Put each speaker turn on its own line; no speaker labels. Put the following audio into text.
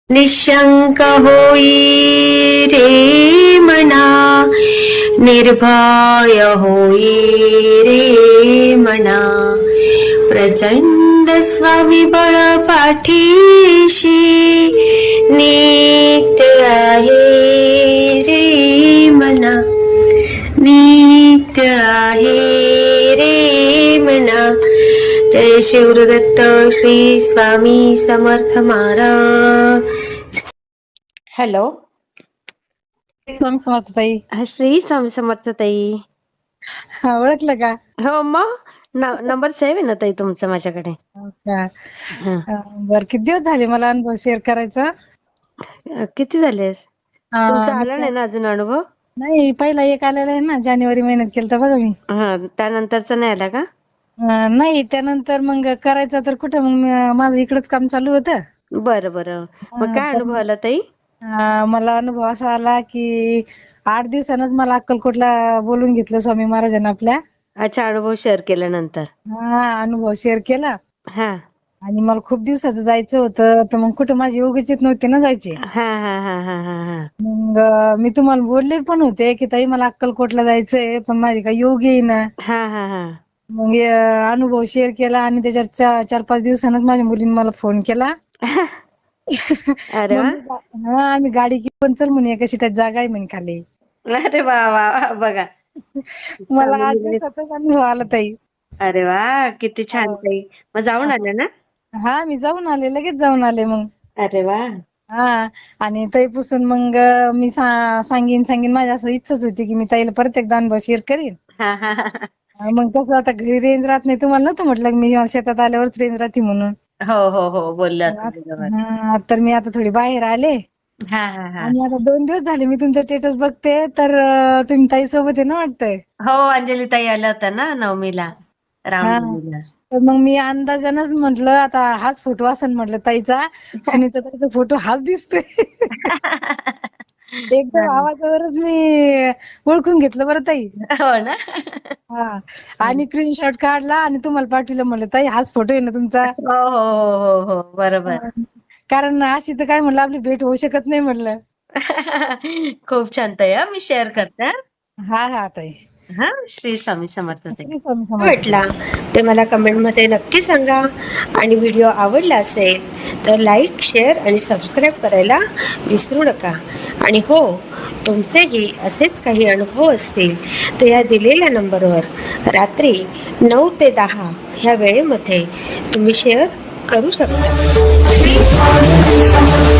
निशंक होई रे मना, निर्भय होई रे मना, प्रचंड स्वविबळ पाठीशी नित्य आहे रे मना, नित्य आहे रे मना. जय शिवदत्त श्री स्वामी समर्थ महाराज. हॅलो,
स्वामी समर्थ ताई.
श्री स्वामी समर्थ ताई.
ओळखलं का?
हो मग नंबर सेव्ह आहे ना ताई तुमचा माझ्याकडे.
हो का?
हं.
बर, किती दिवस झाले मला अनुभव शेअर करायचा?
किती झालेस तुमचा
मी
आला नाही ना अजून अनुभव?
नाही, पहिला एक आलेला आहे ना, जानेवारी महिन्यात केलता बघा मी.
हा, त्यानंतरचा नाही आला का?
नाही, त्यानंतर मग करायचा तर कुठं, मग माझं इकडंच काम चालू होतं.
बरं बरं. मग काय
तर
अनुभव आला ताई?
मला अनुभव असा आला की 8 दिवसानंच मला अक्कलकोटला बोलून घेतलं स्वामी महाराजांना आपल्या.
अच्छा, अनुभव शेअर केल्यानंतर.
अनुभव शेअर केला
हा
आणि मला खूप दिवसाचं जायचं होतं, तर मग कुठं माझी योगच येत नव्हते ना जायचे.
हा हा हा हा हा हा.
मग मी तुम्हाला बोलले पण होते की ताई मला अक्कलकोटला जायचंय, पण माझी काही योग येईना.
हा हा हा.
मग अनुभव शेअर केला आणि त्याच्यावर 4-5 दिवसांनीच माझ्या मुलीने मला फोन केला.
अरे वा.
आम्ही गाडी घेऊन चल म्हणे, एका सीटात जागा आहे म्हणे खाली.
अरे वा वा वा, बघा.
मला 8
चांगली.
दिवसाचाच अनुभव आला ताई.
अरे वा, किती छान ताई. मग जाऊन आले ना?
मी जाऊन आले, लगेच जाऊन आले मग.
अरे वा.
आणि ताईपासून मग मी सांगीन माझी असं इच्छाच होती की मी ताईला परत एकदा अनुभव शेअर करीन.
हा हा हा.
मग कसं आता घरी रेंज राहत नाही, तुम्हाला नव्हतं म्हटलं की मी शेतात आल्यावरच रेंज राहते म्हणून.
हो हो हो, बोललात बरोबर.
तर मी आता थोडी बाहेर आले
हा हा हा.
आणि आता 2 दिवस झाले मी तुमचं स्टेटस बघते, तर तुम्ही ताई सोबत आहे ना वाटतंय.
हो, अंजली ताई आल्या होत्या ना नवमीला, रामनवमीला.
तर मग मी अंदाजानच म्हटलं आता हाच फोटो असेल म्हटलं ताईचा, सुनीता ताईचा फोटो हाच दिसतोय. एकदम आवाजावरच मी ओळखून घेतलं बरं ताई.
हो ना.
आणि स्क्रीनशॉट काढला आणि तुम्हाला पाठवलं, म्हणलं ताई हाच फोटो आहे ना तुमचा.
हो हो हो हो हो, बरोबर.
कारण अशी तर काय म्हणलं आपली भेट होऊ शकत नाही म्हटलं.
खूप छान ताई. मी शेअर करते.
ताई.
हा, श्री स्वामी समर्थ ताई.
श्री स्वामी समर्थ.
वाटला ते मला कमेंटमध्ये नक्की सांगा. आणि व्हिडिओ आवडला असेल तर लाईक, शेअर आणि सबस्क्राईब करायला विसरू नका. आणि हो, तुमचेही असेच काही अनुभव असतील तर या दिलेल्या नंबरवर रात्री 9 ते 10 ह्या वेळेमध्ये तुम्ही शेअर करू शकता.